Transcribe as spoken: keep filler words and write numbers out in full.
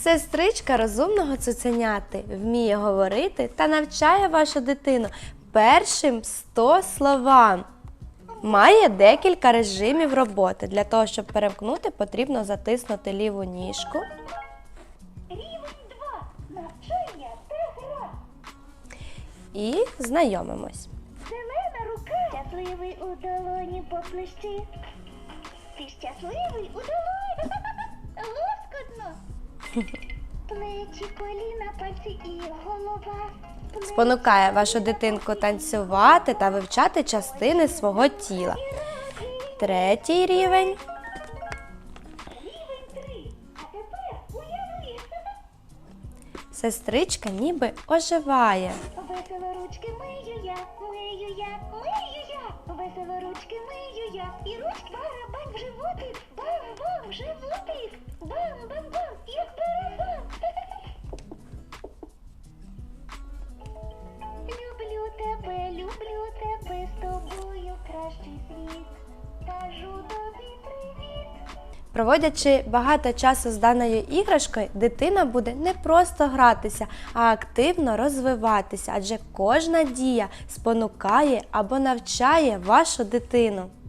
Сестричка розумного цуценяти вміє говорити та навчає вашу дитину першим сто словам. Має декілька режимів роботи. Для того, щоб перемкнути, потрібно затиснути ліву ніжку. Рівень два. Навчання та гра. І знайомимось. Зелена рука. Щасливий у долоні поплещи. Ти щасливий у долоні. Лоскотно. Плечі, коліна, пальці і голова. Плечі, Спонукає вашу дитинку танцювати та вивчати частини свого тіла. Третій рівень. Рівень три. А тепер уяви. Сестричка ніби оживає. Весело ручки мию я, мию я, мию я. Весело ручки мию я. І ручки барабан в животик. Бам-бам в животик. Бам-бам-бам, як барабан. Люблю тебе, люблю тебе, з тобою кращий світ. Кажу тобі привіт. Проводячи багато часу з даною іграшкою, дитина буде не просто гратися, а активно розвиватися, адже кожна дія спонукає або навчає вашу дитину.